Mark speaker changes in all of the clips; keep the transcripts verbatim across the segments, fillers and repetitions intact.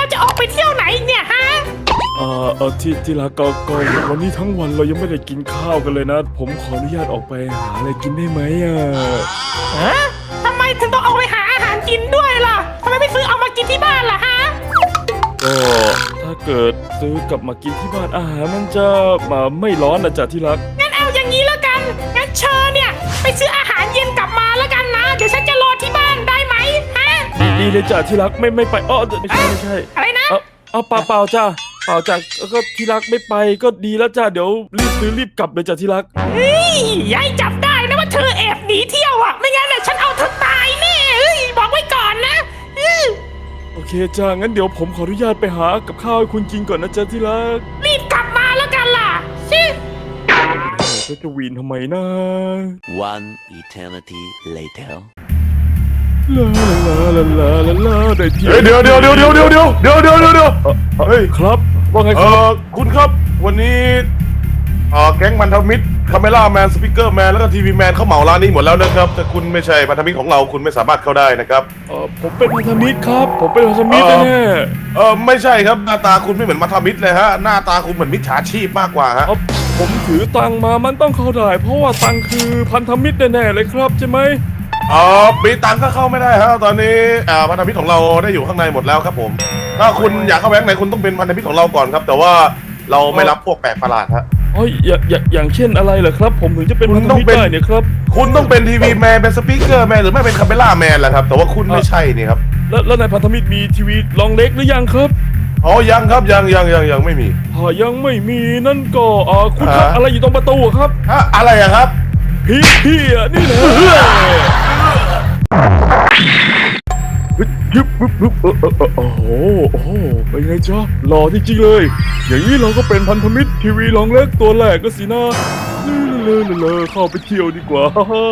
Speaker 1: จะออกไปเที่ยวไหนเนี่ยฮะ
Speaker 2: เออเออที่ที่รักก็ก็วันนี้ทั้งวันเรายังไม่ได้กินข้าวกันเลยนะผมขออนุญาตออกไปหาอะไรกินได้ไหมอ่ะ
Speaker 1: ฮะทำไมถึงต้องเอาไปหาอาหารกินด้วยล่ะทำไมไม่ซื้อเอามากินที่บ้านล่ะฮะ
Speaker 2: ก็ถ้าเกิดซื้อกลับมากินที่บ้านอาหารมันจะมาไม่ร้อนนะจ๊ะที่รัก
Speaker 1: งั้นเอาอย่างนี้แล้วกันงั้นเชิญเนี่ยไปซื้ออาหารเย็นกลับมาแล้วกันนะเดี๋ยวฉันจะรอที่บ้านได้ไหมฮะ
Speaker 2: ดีเลยจ้ะที่รักไม่ไม่ไปอ๋อไม่ใช่ไม่ใช่
Speaker 1: อะไรนะ
Speaker 2: เอาเอาเปล่าเปล่าจ้ะเปล่าจ้ะก็ที่รักไม่ไปก็ดีแล้วจ้ะเดี๋ยวรีบซื้อรีบกลับเลยจ้ะที่รัก
Speaker 1: เฮ้ยยายจับได้นะว่าเธอแอบหนีเที่ยวอ่ะไม่งั้นน่ะฉันเอาเธอตายแน่เฮ้ยบอกไว้ก่อนนะ
Speaker 2: โอเคจ้ะงั้นเดี๋ยวผมขออนุญาตไปหากับข้าวให้คุณกินก่อนนะจ๊ะที่รัก
Speaker 1: รีบกลับมาแล้วกันล่ะชิ
Speaker 2: ก็จะวีนทำไมนะ
Speaker 3: One eternity later
Speaker 2: ลาลาลาลาลาลาได้ที่
Speaker 4: เดี๋ยวเดี๋ยวเดี๋ยวเดี๋ยวเดี๋ยวเดี๋ยวเดี๋ยวเดี๋ยวเดี๋ยวเดี๋ยวเฮ้ย
Speaker 2: ครับว่าไงค
Speaker 4: รั
Speaker 2: บ
Speaker 4: คุณครับวันนี้เอ่อแก๊งพันธมิตรคาเมล่าแมนสปีกเกอร์แมนแล้วก็ทีวีแมนเขาเหมาร้านนี้หมดแล้วนะครับแต่คุณไม่ใช่พันธมิตรของเราคุณไม่สามารถเข้าได้นะครับ
Speaker 2: เออผมเป็นพันธมิตรครับผมเป็นพันธมิตรแน่
Speaker 4: เออไม่ใช่ครับหน้าตาคุณไม่เหมือนพันธมิตรเลยฮะหน้าตาคุณเหมือนมิจฉาชีพมากกว่าฮะ
Speaker 2: ผมถือตังมามันต้องเข้าได้เพราะว่าตังคือพันธมิตรแน่ๆเลยครับใช่ไหม
Speaker 4: อ๋อปีตังก็เข้าไม่ได้ฮะตอนนี้อ่าพันธมิตรของเราได้อยู่ข้างในหมดแล้วครับผมถ้าคุณอยากเข้าแบงค์ไหนคุณต้องเป็นพันธมิตรของเราก่อนครับแต่ว่าเราไม่รับพวกแปลกประหลาดฮะ
Speaker 2: อ๋ออย่างอย่างเช่นอะไรเหรอครับผมถึงจะเป็นพันธมิตรได้เนี่ยครับ
Speaker 4: คุณต้องเป็นทีวีแมนเป็นสปีกเกอร์แมนหรือไม่เป็นคาเมล่าแมนแหละครับแต่ว่าคุณไม่ใช่นี่ครับ
Speaker 2: แล้วแล้วในพันธมิตรมีทีวีลองเล็กหรือยังครับ
Speaker 4: อ๋อยังครับยังยังยังยังไม่มี
Speaker 2: อ๋อยังไม่มีนั่นก็อ๋อคุณทำอะไรอยู่ตรงประตูครับ
Speaker 4: ฮะอะไรอะครับ
Speaker 2: พี่พี่อ่ะนี่นะยึบยึบยึบโอ้โหโอ้โหเป็นไงจ๊ะหล่อจริงๆเลยอย่างนี้เราก็เป็นพันธมิตรทีวีลองเล็กตัวแรกก็สินะเลอะเลอะเข้าไปเที่ยวดีกว่า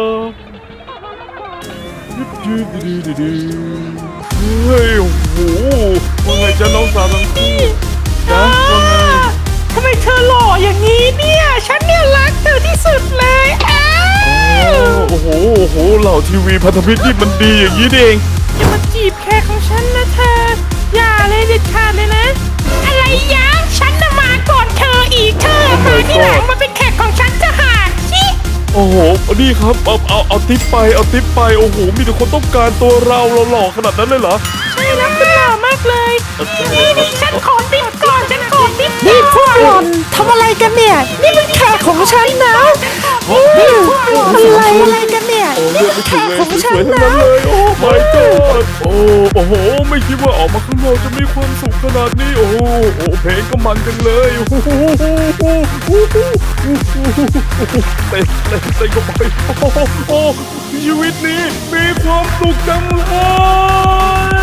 Speaker 2: ยึบยึบดีดีดีเฮ้ยโอ้โหว่าไงจ๊ะน้องสาวทั้งคู่จ๊ะว่าไง
Speaker 1: ทำไมเธอหล่ออย่างนี้เนี่ยฉันเนี่ยรักเธอที่สุดเลยอ้าว
Speaker 2: โอ้โหโอ้โหเหล่าทีวีพันธมิตรนี่มันดีอย่างนี้เอง
Speaker 1: อย่ามาจีบแขกของฉันนะเธออย่าเลยเด็ดขาดเลยนะอะไรยะฉันน่ะมาก่อนเธออีกเธอมาที่หลังมาเป็นแขกของฉันจะหาชิ
Speaker 2: โอ้โหนี่ครับเอาเอาเอาติ๊บไปเอาติ๊บไปโอ้โหมีแต่คนต้องการตัวเราเราหล่อขนาดนั้นเลยเหรอ
Speaker 1: ใช่แล้วคุณหล่อมากเลยนี่นี่ฉันขอติ๊บก่อนฉันขอติ๊บนี่พวกหล่อนทำอะไรกันเนี่ยนี่เป็นแขกของฉันนะอะไรอะไรกันเนี่ยนี่เป็นแขกของฉันนะ
Speaker 2: โอ้ my god โอ้โอ้โหไม่คิดว่าออกมาข้างนอกจะมีความสุขขนาดนี้โอ้โอ้เพลงก็มันจังเลยโอ้โหเต้นเต้นเต้นก็ไปโอ้โอ้ชีวิตนี้มีความสุขจังเลย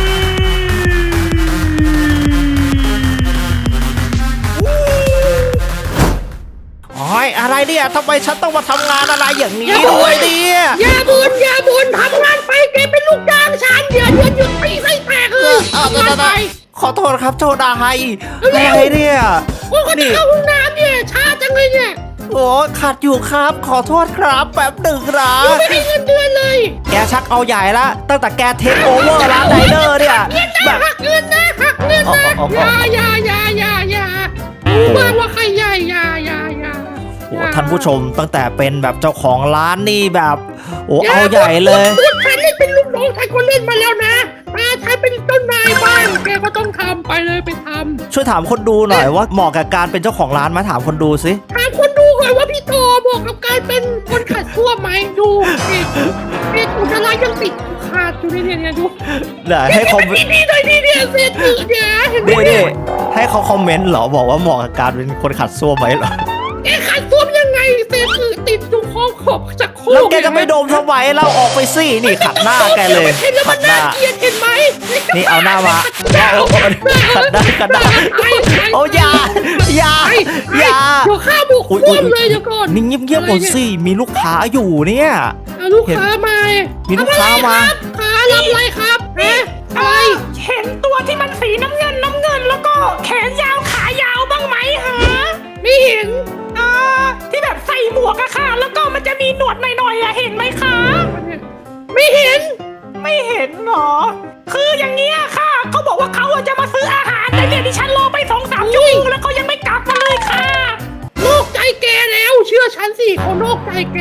Speaker 1: โอ้ยอะไรเนี่ยทำไมฉันต้องมาทำงานอะไรอย่างนี้ด้วยเนี่ย
Speaker 5: อย่าบ่นอย่าบ่นทำงานไปแกเป็นลูกจ้างฉันเดี๋ยวเดี๋ยวหยุดตีไส้แตกเลย
Speaker 1: ทำงานไปขอโทษครับโจดาไฮอะไรเนี่ย
Speaker 5: โอ้ก็จะเข้าห้องน้ำเนี่ยช้าจังเลยเนี่ย
Speaker 1: โอ้ขัดอยู่ครับขอโทษครับแป๊บหนึ่งนะ
Speaker 5: ไม่ให้เงินเดือนเลย
Speaker 1: แกชักเอาใหญ่ละตั้งแต่แกเทคโอเวอร์ร้านไดเนอร์เนี่ย
Speaker 5: แบบหักเงินนะหักเงินนะอย่าอย่าอย่าอย่าอย่ารู้บ้างว่าใครใหญ่อย่าอย่าอย่า
Speaker 1: โอ้ท่านผู้ชมตั้งแต่เป็นแบบเจ้าของร้านนี่แบบโอ้เอาใหญ่เลย
Speaker 5: พูดฉันเล่นเป็นลูกน้องฉันก็เล่นมาแล้วนะถ้าฉันเป็นต้นนายบ้านแกก็ต้องทำไปเลยไปทำ
Speaker 1: ช่วยถามคนดูหน่อยว่าเหมาะกับการเป็นเจ้าของร้านไหมถามคนดูสิ
Speaker 5: ถามคนดูก่อนว่าพี่โตเหมาะกับการเป็นคนขัดซ่วมไหมดูเอกเอกอุจจาระยังติดขาดอยู่เนี่ยเนี่ยดู
Speaker 1: เดี๋ยวให้คอมเมนต์
Speaker 5: ดีๆหน่อยดีๆเนี่ยเสียจืดเนี่ยเห็นไหม
Speaker 1: เนี่ยให้เขาคอมเมนต์เหรอบอกว่าเหมาะกับการเป็นคนขัดซ่วมไหมเหรอ
Speaker 5: แกขัดซ่วมยังไงเศษอืดติดอยู่คอขอบจากโค
Speaker 1: แล้วแกจะไม่โดมทำไมเราออกไปสินี่ขัดหน้าแกเลย
Speaker 5: ขัดหน้าเกลียดเห็นไหม
Speaker 1: นี่เอาหน้ามาขัดหน้าขัดหน้าโอ้ยาอยาอยา
Speaker 5: เดี๋ยวข้าบุกซ่วมเลยเดี๋ยวก่อน
Speaker 1: นิ่งเงียบๆก่อนสิมีลูกค้าอยู่เนี่ย
Speaker 5: ลูกค้ามา
Speaker 1: มีลูกค้ามา
Speaker 5: ขารับอะไรครับเอ๊ะอะไร
Speaker 1: เห็นตัวที่มันสีน้ำเงินน้ำเงินแล้วก็แขนยาวขายาวบ้างไหมฮะ
Speaker 5: ไม่เห็น
Speaker 1: อ่าที่แบบใส่หมวกอะค่ะแล้วก็มันจะมีหนวดหน่อยๆอะเห็นไหมคะ
Speaker 5: ไม่เห็น
Speaker 1: ไม่เห็นหรอคืออย่างเงี้ยค่ะเขาบอกว่าเขาจะมาซื้อ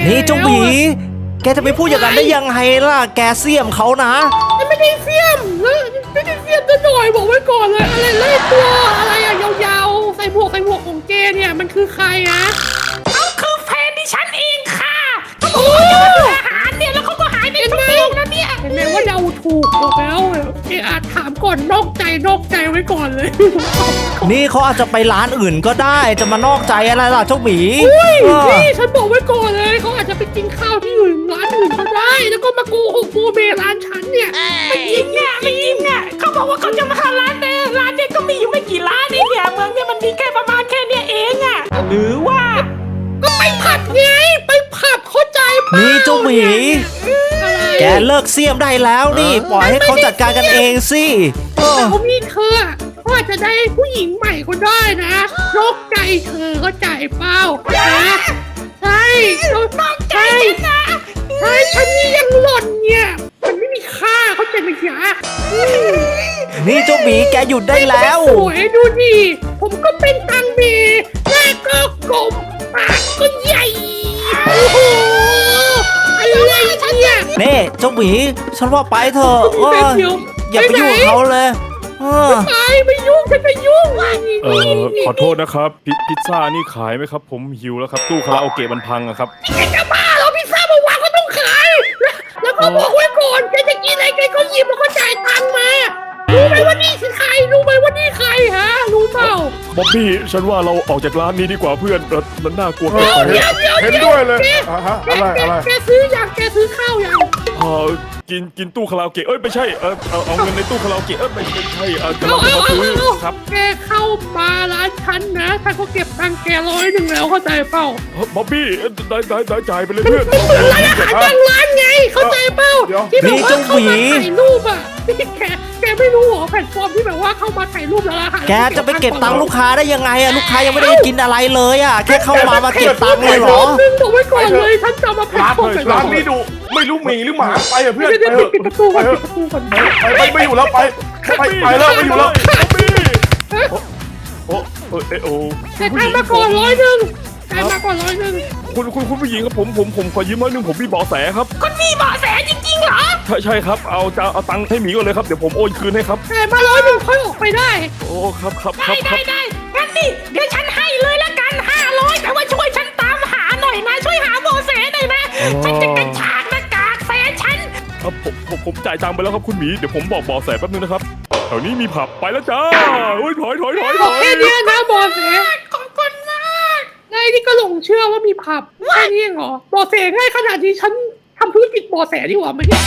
Speaker 6: นี่เจ้าหมีแกจะไปพูดอย่างนั้นได้ยังไงล่ะแกเสี่ยมเขานะ
Speaker 5: ฉันไม่ได้เสี้ยมเลยไม่ได้เสี้ยมจะหน่อยบอกไว้ก่อนเลยอะไรเล่ตัวอะไรอะยาวๆใส่หมวกใส่หมวกของแกเนี่ยมันคือใครอะ
Speaker 1: เขาคือแฟนดิฉันเองค่ะเขาบอกว่าเขาจะมาดูอาหารเนี่ยแล้วเขาก็หายไปชั่วโมงแล้วเนี่ย
Speaker 5: เห็นไหมว่าเดาถูกบอกแล้วเออาจถามก่อนนอกใจนอกใจไว้ก่อนเลย
Speaker 6: นี่เขาอาจจะไปร้านอื่นก็ได้จะมานอกใจอะไรล่ะเจ้าหมี
Speaker 5: อุ้ย
Speaker 6: เออ
Speaker 5: นี่ฉันบอกไว้ก่อนเลยเขาอาจจะไปกินข้าวที่อื่นร้านอื่นก็ได้ แล้วก็มาโกหกโมเมร้านฉันเนี่ย
Speaker 1: ไม่จริงอ่ะไม่จริงอ่ะเขาบอกว่าเขาจะมาหาร้านแต่ร้านเนี่ยก็มีอยู่ไม่กี่ร้านเองเนี่ยเมืองเนี่ยมันมีแค่ประมาณแค่เนี้ยเองอ่ะหรือว่า
Speaker 5: ก็ไปผับไงไปผับเข้าใจปะ
Speaker 6: นี่เจ้าหมี
Speaker 5: อะไร
Speaker 6: แกเลิกเสี่ยมได้แล้วนี่ปล่อยให้เขาจัดการกันเองสิเออ
Speaker 5: แต่เขามีเธอเขาอาจจะได้ผู้หญิงใหม่ก็ได้นะนอกใจเธอก็ใจเปล่านะใช่นอกใจนะใช่ฉันนี่ยังหล่อนเนี่ยมันไม่มีค่าเขาใจไหมจ๊ะ
Speaker 6: นี่เจ้าหมีแกหยุดได้แล้ว
Speaker 5: สวยดูดิผมก็เป็นตังเมหน้าก็กลมปากก็ใหญ่โอ้โหอะไรเนี่ย
Speaker 6: เน่เจ้าหมีฉันว่าไปเถอะเออ
Speaker 5: เดี๋ยว
Speaker 6: อย่าไปยุ่งกับเขาเลยเออ
Speaker 5: ไปไม่ยุ่งฉันไม่ยุ่ง
Speaker 2: เออขอโทษนะครับพิพิซซ่านี่ขายไหมครับ ผมหิวแล้วครับตู้คาราโอเกะมันพังอะครับ
Speaker 5: แกจะบ้าเหรอพิซซ่ามาวางก็ต้องขายแล้วก็บอกไว้ก่อนแกจะกินอะไรแกก็หยิบแล้วก็จ่ายตังค์มารู้ไหมว่านี่คือใครรู้ไหมว่านี่ใครฮะรู้เปล่า
Speaker 2: บ๊อบบี้ฉันว่าเราออกจากร้านนี้ดีกว่าเพื่อนเออมันน่ากลัว
Speaker 4: เอ
Speaker 2: เกิน
Speaker 4: อ
Speaker 2: ไป
Speaker 5: เดี๋ยวเดี๋ยว
Speaker 4: เห็น
Speaker 5: เดี๋ยว
Speaker 4: ด้วยเลย
Speaker 5: แก
Speaker 4: อ่ะฮะ
Speaker 5: แก
Speaker 4: อะไร
Speaker 5: แก
Speaker 4: อะไร
Speaker 5: แกซื้อยังแกซื้อข้าวยัง
Speaker 2: เออกินกินตู้คาราโอเกะเอ้ยไม่ใช่เออเอาเอาเงินในตู้คาราโอเกะเอ้ยไม่ไม่ใช่เออกำลั
Speaker 5: เอา
Speaker 2: งจะ
Speaker 5: เอา
Speaker 2: มา
Speaker 5: เอา
Speaker 2: ซื้อ
Speaker 5: เอา
Speaker 2: ครับ
Speaker 5: แกเข้ามาร้านฉันนะถ้าเขาเก็บตังค์แกร้อยหนึ่งแล้วเข้าใจเปล่า
Speaker 2: เฮ้ยบ๊อบบี้เอ้ยได้ได้ได้จ่ายไปเลยเพื่อน
Speaker 5: มันเหมือนร้านอาหารบางร้านไงเข้าใจเปล่าที่แบบว่าเข้ามาถ่ายรูปอ่ะที่แกแกไม่รู้เหรอแพลตฟอร์มที่แบบว่าเข้ามาถ่ายรูปแล้วอาหาร
Speaker 6: แกจะไปเก็บตังค์ลูกค้าได้ยังไงอะลูกค้ายังไม่ได้กินอะไรเลยอะแค่เข้ามามาเก็บตังค์เลยเหรอ
Speaker 5: นึงบอกไว้ก่อนเลยฉันจะมาแพลต
Speaker 4: ร้าน
Speaker 5: ฟอร์ม
Speaker 4: ร้านนี้ดูไม่รู้หมีหรือหมาไปเถอะเพื่อน
Speaker 5: เดี๋ยว
Speaker 4: ไป
Speaker 5: เดี๋ยว
Speaker 4: เถอะ
Speaker 5: ปิดประตู
Speaker 4: ไป
Speaker 5: ก่อน
Speaker 4: เถ
Speaker 5: ปิ
Speaker 4: อะ
Speaker 5: ดประตูก่อน
Speaker 4: ไปไปไม่อยู่แล้วไปไปไปแล้วไม่อยู่แล้ว
Speaker 2: บ๊อบบี้โอ้เออเออโอ้
Speaker 5: แต่ทางมาก่อนร้อยหนึ่งแต่มาก่อนร้อยหนึ่ง
Speaker 2: คุณคุณคุณผู้หญิงครับผมผมผมขอยืมร้อยหนึ่งผมมีเบาะแสครับ
Speaker 1: คุณมีเบาะแสจริงๆเหรอ
Speaker 2: ใช่ใช่ครับเอาจะเอาตังค์ให้หมีก่อนเลยครับเดี๋ยวผมโอนคืนให้ครับ
Speaker 5: แต่มาร้อยหนึ่งค่อยออกไปได้
Speaker 2: โอ้ครับครับค
Speaker 1: ได้
Speaker 2: รับค
Speaker 1: ได้
Speaker 2: รับ
Speaker 1: ได้งั้นนี่เดี๋ยวฉันให้เลยละกันห้าร้อยแต่ว่าช่วยฉันตามหาหน่อยนะช่วยหาเบาะแสหน่อยนะฉันจะกระชากหน้ากากแฟนฉัน
Speaker 2: ครับผมผมผมจ่ายตังค์ไปแล้วครับคุณหมีเดี๋ยวผมบอกเบาะแสแป๊บนึงนะครับแถวนี้มีผับไปแล้วจ้าโอ้ยถอยถอยถอยถ
Speaker 5: บอก
Speaker 2: อย
Speaker 5: แค่เนี้ยนะบอเส
Speaker 1: ขอบคุณมาก
Speaker 5: นายนี่ก็หลงเชื่อว่ามีผับแค่นี้เองเหรอบอเสง่ายขนาดนี้ฉันทำธุรกิจบอแสดีกว่าไหมเนี่ย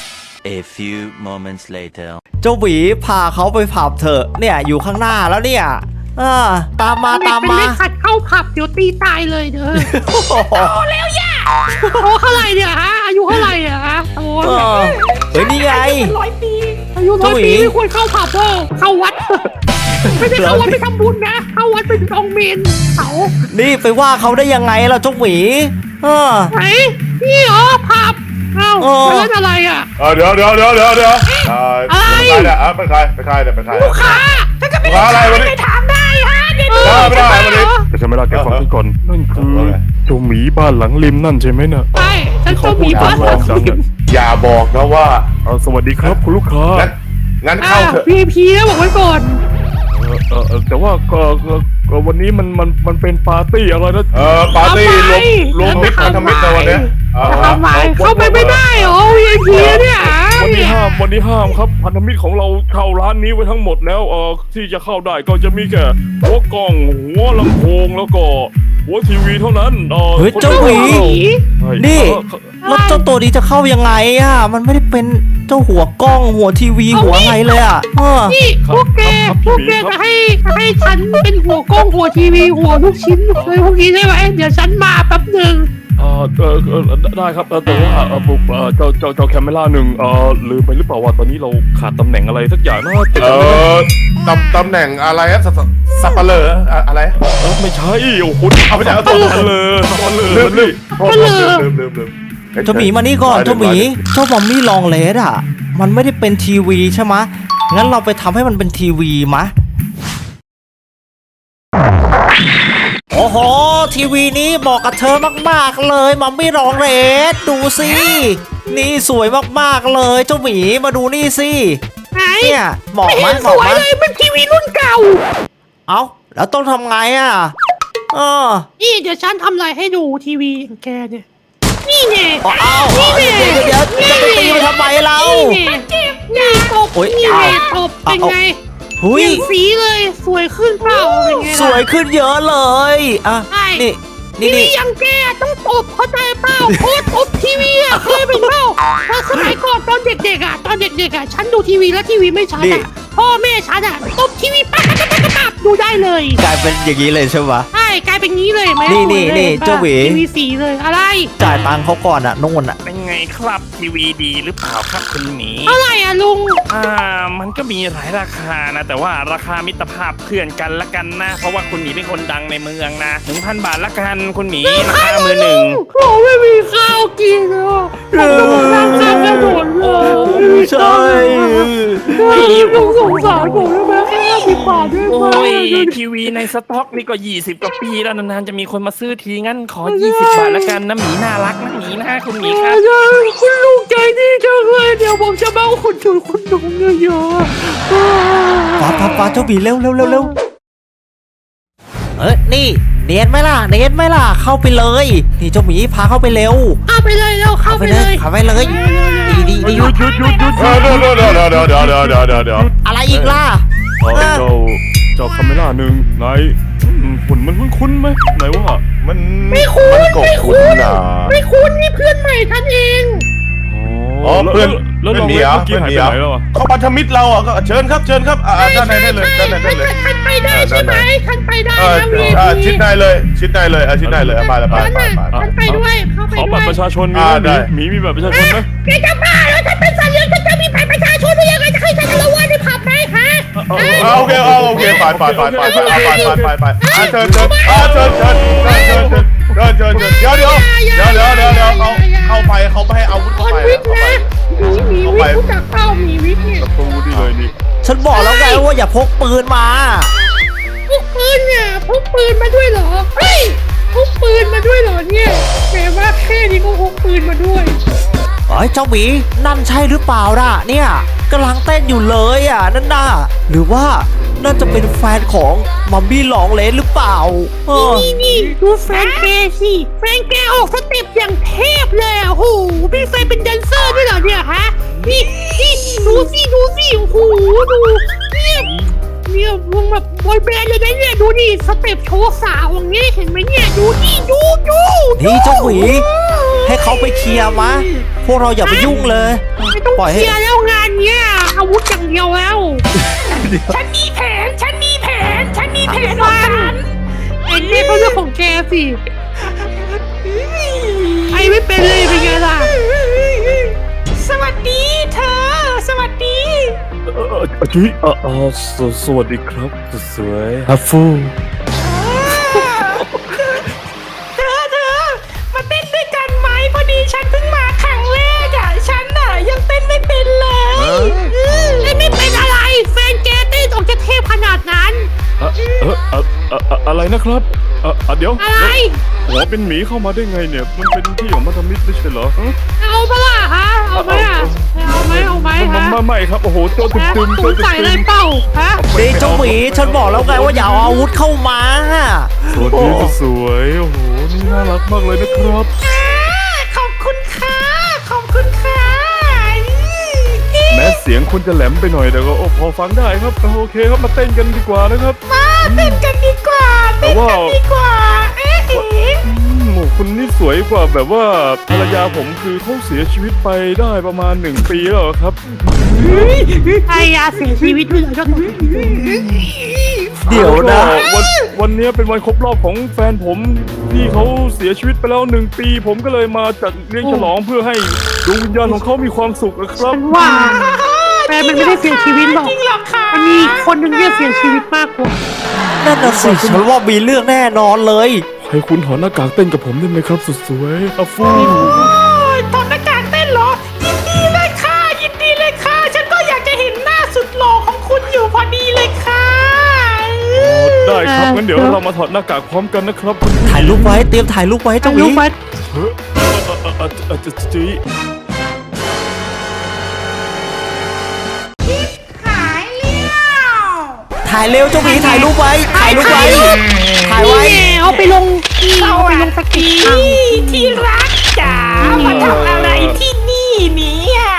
Speaker 3: A few moments later.
Speaker 6: เจ้าหวีพาเขาไปผับเถอะเนี่ยอยู่ข้างหน้าแล้วเนี่ยเออตามมาตาม
Speaker 5: เป็น
Speaker 6: มา
Speaker 5: เล็กขัดเข้าผับเดี๋ยวตีตายเลยเด้อ
Speaker 6: โอ้โห
Speaker 1: โตแล้วย่า
Speaker 5: โตเท่าไหร่เนี่ยฮะอายุเท่าไหร่อะฮะโต
Speaker 6: เออเฮ้ยนี่ไง
Speaker 1: ร้อยปี
Speaker 5: อายุร้อย
Speaker 6: เจ้าหวี
Speaker 5: ปีไม่ควรเข้าผับเด้อเข้าวัด ไม่ได้เข้าวัดไปทำบุญนะเข้าวัดไปจองเมนเขา
Speaker 6: นี่ไปว่าเขาได้ยังไงล่ะเจ้าหวีเออ
Speaker 5: ไหนนี่เหรอผับเอ้า
Speaker 6: เออ
Speaker 5: แล้วอะไรอ่ะ
Speaker 4: เออเดี๋ยวเดี๋ยวเดี๋ยวเดี๋ยวเดี๋ยวเออ
Speaker 5: อะไร
Speaker 4: เป็นใครเนี่ยอ่ะเป็นใครเป็นใครเนี่ยเป็นใคร
Speaker 5: ลูกค้า
Speaker 1: ถ้าก็ไม่
Speaker 4: ว่าอะไรวะ
Speaker 1: ได้
Speaker 4: เนี่ย
Speaker 1: ถามได้ฮะเดี๋ยว
Speaker 5: เออ
Speaker 4: ไม่ได้ไม่ได้
Speaker 5: เหรอ
Speaker 2: แต่ฉันไม่ได้แกฟังฉันก่อนนั่นคือ
Speaker 4: ว่าไง
Speaker 2: เจ้าหมีบ้านหลังริมนั่นใช่ไหมน่ะ
Speaker 5: ใช่ฉันต้องมีบ้าน
Speaker 2: บ
Speaker 5: ห
Speaker 2: อ
Speaker 5: ลั
Speaker 2: ก
Speaker 5: ง
Speaker 2: จัง
Speaker 5: ริม
Speaker 2: อะ
Speaker 4: อย่าบอกนะว่า
Speaker 2: เออสวัสดีครับคุณลูกค้า
Speaker 4: งั้นงั้น
Speaker 5: อ่า
Speaker 4: เข้าเถอะ
Speaker 5: พีพีนะบอกไว้ก่อน
Speaker 2: เออเออเออแต่ว่าก็ก็ก็วันนี้มันมันมันเป็นปาร์ตี้อะไรนะ
Speaker 4: เออปาร์ตี้รวมรวมมิตรพันธมิตรในวันเนี้ยเออ
Speaker 5: ทำไมเข้าไปไม่ได้เหรอ วี ไอ พี เนี่ย
Speaker 2: วันนี้ห้ามวันนี้ห้ามครับพันธมิตรของเราเข้าร้านนี้ไว้ทั้งหมดแล้วเออที่จะเข้าได้ก็จะมีแค่หัวกล้องหัวลำโพงแล้วก็หัวทีวีเท่านั้นเออ
Speaker 6: เฮ้ยเจ้าหวี
Speaker 2: ใช่
Speaker 6: นี่
Speaker 2: เออ
Speaker 6: แล้วเจ้าตัวนี้จะเข้ายังไงอ่ะมันไม่ได้เป็นเจ้าหัวกล้องหัวทีวีหัวอะไรเลยอ่ะเออ
Speaker 5: นี่พวกแกพวกแกจะให้จะให้ฉันเป็นหัวกล้องหัวทีวีหัวลูกชิ้นเลยพวกนี้ใช่ไหมเดี๋ยวฉันมาแป๊บหนึ่ง
Speaker 2: เออเออเออได้ครับเออแต่ว่าเออผมเออเจ้าเจ้าเจ้าแคมเมล่าหนึ่งเออลืมไปหรือเปล่าว่าตอนนี้เราขาดตำแหน่งอะไรสักอย่างนะติด
Speaker 4: เอ
Speaker 2: กันไหม
Speaker 4: อตำตำแหน่งอะไรอะสับสับปะเลออะอะไร
Speaker 2: เออไม่ใช่โอ้โห
Speaker 4: เอาไปจาก
Speaker 2: สับปะเลยสับปะเลย
Speaker 4: ลืมลื
Speaker 2: นี่
Speaker 4: มโทษลืมลืมลืมลืม
Speaker 6: เจ้าหมีมานี่ก่อนเจ้าหมีเจ้าบอมมี่ลองเลสอ่ะมันไม่ได้เป็นทีวีใช่ไหมะงั้นเราไปทำให้มันเป็นทีวีมะโอ้โหทีวีนี้เหมาะกับเธอมากๆเลยมัมมี่รองเลสดูสินี่สวยมากๆเลยเจ้าหมีมาดูนี่สิ
Speaker 5: ไหน
Speaker 6: เนี่ยเหมาะ
Speaker 5: ไม่
Speaker 6: ไหม
Speaker 5: เห็น
Speaker 6: เห
Speaker 5: ส
Speaker 6: มาะ
Speaker 5: วย
Speaker 6: ไหม
Speaker 5: เลยมันทีวีรุ่นเก่า
Speaker 6: เอ้าแล้วต้องทำไงอ่ะเออ
Speaker 5: นี่เดี๋ยวฉันทำอะไรให้ดูทีวีของแกเนี่ย นี่ไง
Speaker 6: เอาเอา
Speaker 5: นี่ไง
Speaker 6: เดี๋ยวเดี๋ยวจะไปตีมันทำไมเรา
Speaker 5: นี่ไงนี่ตบ
Speaker 6: โอ๊ย
Speaker 5: นี่ไง
Speaker 6: เอา
Speaker 5: ตบเป็นไง
Speaker 6: หุ
Speaker 5: เป
Speaker 6: ย
Speaker 5: ลี่ยนสีเลยสวยขึ้นเปล่าเป็นไงล่ะ
Speaker 6: สวยขึ้นเยอะเลยอ่ะ
Speaker 5: ใช่
Speaker 6: นี่
Speaker 5: ที
Speaker 6: นี่
Speaker 5: วี
Speaker 6: นี่
Speaker 5: ยังแกต้องตบเข้าใจเปล่าโคตรตบทีวีอ่ะเคยเป็นเปล่าถ้าสมัยก่อนตอนเด็กๆอ่ะตอนเด็กๆอ่ะฉันดูทีวีแล้วทีวีไม่ชัดอ่ะพ่อแม่ฉันอ่ะตบทีวีปั๊บปั๊บปั๊บปั๊บดูได้เลย
Speaker 6: กลายเป็นอย่างนี้เลยใช่ไหม
Speaker 5: ใช่กลายเป็นงี้เลยไหม
Speaker 6: นี่นี่
Speaker 5: สวยลย
Speaker 6: นี่
Speaker 5: ห็ปะ
Speaker 6: เจ้าหวี
Speaker 5: ทีวีสีเลยอะไร
Speaker 6: จ่ายตังค์เขาก่อนอะนู่นอะ
Speaker 7: เป็นไงครับทีวีดีหรือเปล่าครับคุณหมี
Speaker 5: เท่าไหร่อ่ะลุง
Speaker 7: อ่ามันก็มีหลายราคานะ แต่ว่าราคามิตรภาพเพื่อนกันละกันนะ เพราะว่าคุณหมีเป็นคนดังในเมืองนะหนึ่งพันบาทละกันคุณหมีราคามือหนึ่ง
Speaker 5: โอ้ไม่มีข้าวกินเลยอ่ะผมนั่งข้างกระโดดเลย
Speaker 6: ใช่
Speaker 5: ต้องสงสารผมได้ไหมแค่ห้าสิบบาทได้ไหม
Speaker 7: โอ้ยทีวีในสต็อกนี่ก็ยี่สิบกว่าปีแล้วนานๆจะมีคนมาซื้อทีงั้นขอยี่สิบบาทละกันนะหมีน่ารักนะหมีนะคุณหมีครับ
Speaker 5: ใช่คุณลุงใจดีจังเลยเดี๋ยวผมจะมาเอาคุณจุนคุณลุงเยอะๆ
Speaker 6: ป้าป้าป้าเจ้าบีเร็วเร็วเร็วเร็วเอ้ยนี่เนียนไหมล่ะเนียนไหมล่ะเข้าไปเลยนี่เจ้าหมีพาเข้าไปเร็ว
Speaker 5: เข้าไปเลยแล้วเข้า
Speaker 6: เข้า
Speaker 5: ไป
Speaker 6: ไป
Speaker 5: เล
Speaker 6: เลย
Speaker 5: ย
Speaker 6: เข้าไปเลยดีดีดี
Speaker 2: หยุดหยุดหยุดหยุดห
Speaker 4: เอ
Speaker 2: ยุ
Speaker 4: อ
Speaker 2: ด
Speaker 4: เดี๋ยวเดี๋ยวเดี๋ยวเดี๋ยวเดี๋ยวเดี๋ยวเดี๋ยวเดี๋ยวเดี๋ยว
Speaker 6: อะไรอีกล่ะ
Speaker 2: เอ่อเจ้าเจ้าคาเมล่าหนึ่งไหนอืมหุ่นมันคุ้นๆไหมไหนว่า
Speaker 4: มัน
Speaker 5: ไม่คุ้น
Speaker 4: มันก็
Speaker 5: ไม่
Speaker 4: คุ้
Speaker 5: คุ้
Speaker 4: น
Speaker 5: น
Speaker 4: นะ
Speaker 5: ไม่คุ้นนี่เพื่อนใหม่ท่านเอง
Speaker 4: อ๋อเพื่อน
Speaker 2: แล้ว
Speaker 4: เพื่
Speaker 2: ล
Speaker 4: อ
Speaker 2: อน ง
Speaker 4: เหนี
Speaker 2: เล่
Speaker 4: ย
Speaker 2: นเมื่อกี้หายไปไหนแล้วอ่ะ
Speaker 4: เขาพันธมิตรเราอ่ะก็เชิญครับเชิญครับอ่าด้านในได้เลยด้านในได้เลย
Speaker 5: ท่านไปได้ใช่ไหมท่านไปได้
Speaker 4: เออ
Speaker 5: นะวี
Speaker 4: อ่าชิดได้เลยชิดได้เลยอ่ะชิดได้เลยอ่ะไปเลยไป
Speaker 5: ท่าน
Speaker 4: ไป
Speaker 5: น่ะ
Speaker 4: ไป
Speaker 5: ท่านไปด้วยเข้าไป
Speaker 2: ขอ
Speaker 5: ด้
Speaker 2: บั
Speaker 5: ว
Speaker 2: ต
Speaker 5: ย
Speaker 2: รประชาชนมี
Speaker 4: อ่า
Speaker 2: ไหม
Speaker 4: ได้
Speaker 2: หมีหมีมีบัตรประชาชนไหม
Speaker 5: แกจะบ้าแล้วท่านเป็นสัตว์เลี้ยงท่านจะมีบัตรประชาชนได้ยังไงจะให้ฉันละว่าในผับไหมฮะ
Speaker 4: อ่าโอเคอ่าโอเคไปไปไปไปไปไปไปไปไปอ่าเชิญเชิญอ่าเชิญเชิญเชิญเชิญเชิญเชิญเชิญเชิญเดี๋ยวเดี๋ยวเดี๋ยวเดี๋ยวเดี๋ยวเดี๋ยวเขาเข้าไปเขาไม่ให้อาวุธ
Speaker 5: ค
Speaker 4: เข้าน ไป
Speaker 5: วิทย์
Speaker 4: เข้าไป
Speaker 5: นะหมีหมีวิทย์รู้จักเป้าหมีวิทย์เนี่ย
Speaker 2: ประตูดีเลยนี่
Speaker 6: ฉันบอกแล้วไงว่าอย่าพกปืนมา
Speaker 5: พกปืนเนี่ยพกปืนมาด้วยเหรอเฮ้ยพกปืนมาด้วยเหรอเนี่ยแหมว่าแค่นี้ก็พกปืนมาด้วย
Speaker 6: เอ้ยเจ้าหมีนั่นใช่หรือเปล่าล่ะเนี่ยกำลังเต้นอยู่เลยอ่ะนั่นน่ะหรือว่าน่าจะเป็นแฟนของมัมมี่หลองเลนหรือเปล่าเออ
Speaker 5: นี่นี่ดูแฟนแกสิแฟนแกออกสเต็ปอย่างเทพเลยอ่ะโอ้โหมีแฟนเป็นแดนเซอร์ด้วยเหรอเนี่ยฮะนี่นี่ดูสิดูสิโอ้โหดูเนี่ยเนี่ยมึงแบบบอยแบนด์เลยนะเนี่ยดูดิสเต็ปโชว์สาวอย่างเงี้ยเห็นไหมเนี่ยดูดิดูดู
Speaker 6: นี่เจ้าหมีให้เขาไปเคลียร์มะพวกเราอย่าไปยุ่งเลย
Speaker 5: ไม่ต้อง
Speaker 6: ปล่อย
Speaker 5: เค
Speaker 6: ให้
Speaker 5: ลียร์แล้วงานเนี้ยอาวุธอย่างเดียวแล้ว
Speaker 1: ฉันมีแผน ฉันมีแผน ฉันมีแผนของฉัน
Speaker 5: เอ็นเนี่ยเขาเรื่องของแกสิไอไม่เป็นเลยเป็นไงล่ะ
Speaker 1: สวัสดีเธอ สวัสดี
Speaker 2: เออเออจุ๊ยเออเออสวสวัสดีครับสุดสวยฮัฟฟู
Speaker 1: เธอเธอมาเต้นด้วยกันไหมพอดีฉันเพิ่งมาครั้งแรกอ่ะ ฉันน่ะยังเต้นไม่เป็นเลย
Speaker 5: ไอไม่เป็นอะไรแฟนแกเต้นออกจะเทพขนาดนั้น
Speaker 2: เออเออเออเออเอ่ออะไรนะครับเออเออเดี๋ยว
Speaker 5: อะไร
Speaker 2: หัวเป็นหมีเข้ามาได้ไงเนี่ย มันเป็นที่ของมัธมิตรไม่ใช่เหรอฮะ
Speaker 5: เอาปะล่ะฮะเอาไหมอ่ะเอาไหมเอาไหม
Speaker 2: ไม่
Speaker 5: ฮะ
Speaker 2: ไม่ไม่ครับโอ้โหโจตึม
Speaker 5: ฮะ
Speaker 2: ตึมโจ
Speaker 5: ตู
Speaker 2: ตึม
Speaker 5: ใส่เล
Speaker 2: ตึ
Speaker 5: ย
Speaker 2: ม
Speaker 5: เปล่าฮะ
Speaker 6: นี่เจ้าหมีฉันบอกแล้วไงว่าอย่าเอาอาวุธเข้ามา
Speaker 2: สวัสดีสุดสวยโอ้โหนี่น่ารักมากเลยนะครับ
Speaker 1: ขอบคุณค่ะ ขอบคุณค่ะ
Speaker 2: แม้เสียงคุณจะแหลมไปหน่อยแต่ก็โอ้พอฟังได้ครับโอเคครับมาเต้นกันดีกว่านะครับ
Speaker 1: มาเต้นกันดีกว่า
Speaker 2: แต่
Speaker 1: เต้น
Speaker 2: ว่า
Speaker 1: กันดีกว่า เอ๊ะเอ๊ะ
Speaker 2: อืมคุณนี่สวยกว่าแบบว่าภรรยาผมคือเขาเสียชีวิตไปได้ประมาณหนึ่งปีแล้วเหรอครับ
Speaker 5: ไอ้ยาเสียชีวิตด้วยเหรอเจ้าตัว
Speaker 6: เดี๋ยวนะ
Speaker 2: ก็วันวันนี้เป็นวันครบรอบของแฟนผมที่เขาเสียชีวิตไปแล้วหนึ่งปี ผมก็เลยมาจัดเลี้ยงฉลองเพื่อให้ดวงวิญญาณของเขามีความสุขนะครับ
Speaker 5: ว่าแฟนมันไม่ได้เสียชีวิตหรอก
Speaker 1: จริงเหรอคะ
Speaker 5: มันมีคนหนึ่งที่เสียชีวิตมากกว่า
Speaker 6: นั่นน่ะสิฉันว่ามีเรื่องแน่นอนเลย
Speaker 2: ให้คุณถอดหน้ากากเต้นกับผมได้ไหมครับสุดสวยอาฟู
Speaker 1: โอ้ยถอดหน้ากากเต้นเหรอ ยินดีเลยค่ะ ยินดีเลยค่ะ ฉันก็อยากจะเห็นหน้าสุดหล่อของคุณอยู่พอดีเลยค่ะ
Speaker 2: ได้ครับงั้นเดี๋ยวเรามาถอดหน้ากากพร้อมกันนะครับคุณ
Speaker 6: ถ่ายรูปไว้เตรียมถ่ายรูปไว้เจ้าหมี
Speaker 5: ลูกมัน
Speaker 2: เฮ้ยเออเออเออเออจี
Speaker 1: หายแล้ว
Speaker 6: ถ่ายเร็วเจ้าหมีถ่ายรูปไว้ถ่ายรูปไว้ถ่ายไว้
Speaker 5: นี่ไงเอาไปลงนี่
Speaker 1: ส
Speaker 5: เอาไป
Speaker 1: วั
Speaker 5: ล
Speaker 1: ส
Speaker 5: งสกิ
Speaker 1: ดี
Speaker 5: ทาง
Speaker 1: ที่รักจ๋ามาทำอะไรที่นี่เนี่ย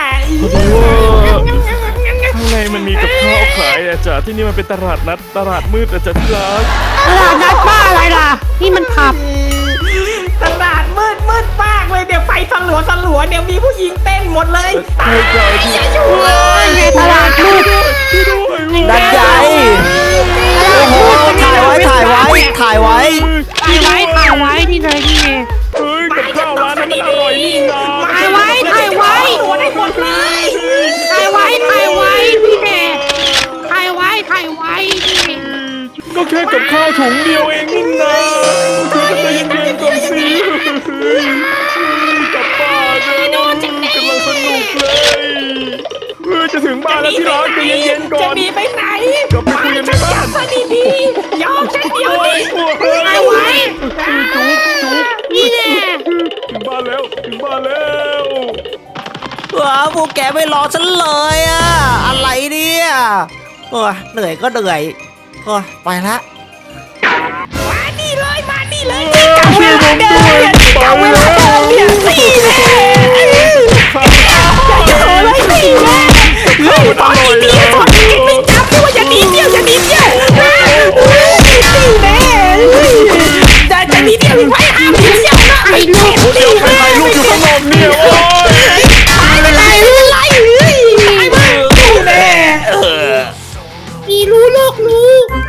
Speaker 2: ข้างในมันมีกับข้าวขายอะจ้ะที่นี่มันเป็นตลาดนัดตลาดมืดอะจ้ะที่รัก
Speaker 5: ตลาดนัดบ้าอะไรล่ะ นี่มันผับ
Speaker 1: ตลาดมืดมืดมากเลยเดี๋ยวไฟสลัวสลัวเดี๋ยวมีผู้หญิงเต้นหมดเลย
Speaker 2: ใช่ใช่ที่
Speaker 1: อย่าอยู่เลย
Speaker 5: ไงตลาดมืด
Speaker 6: ดันใหญ่โอ้โหถ่ายไว้ถ่ายไว้ถ่ายไว้
Speaker 5: ถ่ายไว้ถ่ายไว้นี่เลยนี่ไง
Speaker 2: เฮ้ยกับข้าวร้านนั้นมันอร่อยนี่นะ
Speaker 5: ถ่ายไว้ถ่ายไว้
Speaker 1: ตัวได้หมดเลย
Speaker 5: ถ่ายไว้ถ่ายไว้นี่แน่ถ่ายไว้ถ่ายไว้นี่
Speaker 2: ก็แค่กับข้าวถุงเดียวเองนี่นะเธอจะใจเย็นๆก่อนสิกลับบ้านนะกำลังสนุกเลยเออจะถึงบ้านแล้วที่รักใจเย็นๆก่อ
Speaker 1: จะ
Speaker 2: น
Speaker 1: หนีไปไหน
Speaker 2: กลับไปคุยกันในบ้าน
Speaker 1: จับซะดีๆยอมฉันเดียวดิ
Speaker 5: ถ่ายไว้นี่แน่
Speaker 2: ถึงบ้านแล้วถึงบ้านแล้ว
Speaker 6: ว้าวพวกแกไม่รอฉันเลยอะอะไรเนี่ยโอ้ยเหนื่อยก็เหนื่อยโอ้ยไปละ
Speaker 1: มานี่เลยมานี่เลยที่เก่าเวลาเดิมเนี่ยที่เก่าเวลาเดิมเนี่ยนี่แน่อย่าโชว์เลยนี่แน่เฮ้ยตอนนี้ดีตอนนี้ไม่จับไม่ว่าอย่าหนีเที่ยวอย่าหนีเที่ยวนี่แน่จะจะหนีเที่ยวอีกไว้ห้ามหนีเที่ยวนะไอ้ลูกนี่แน่
Speaker 2: ถ่ายรูปอยู่ข้างนอกเนี่ยโอ้ย
Speaker 1: ตายไปเลยอะไรเฮ้ยตายไปนี่แน่
Speaker 5: มีรู้โลกรู้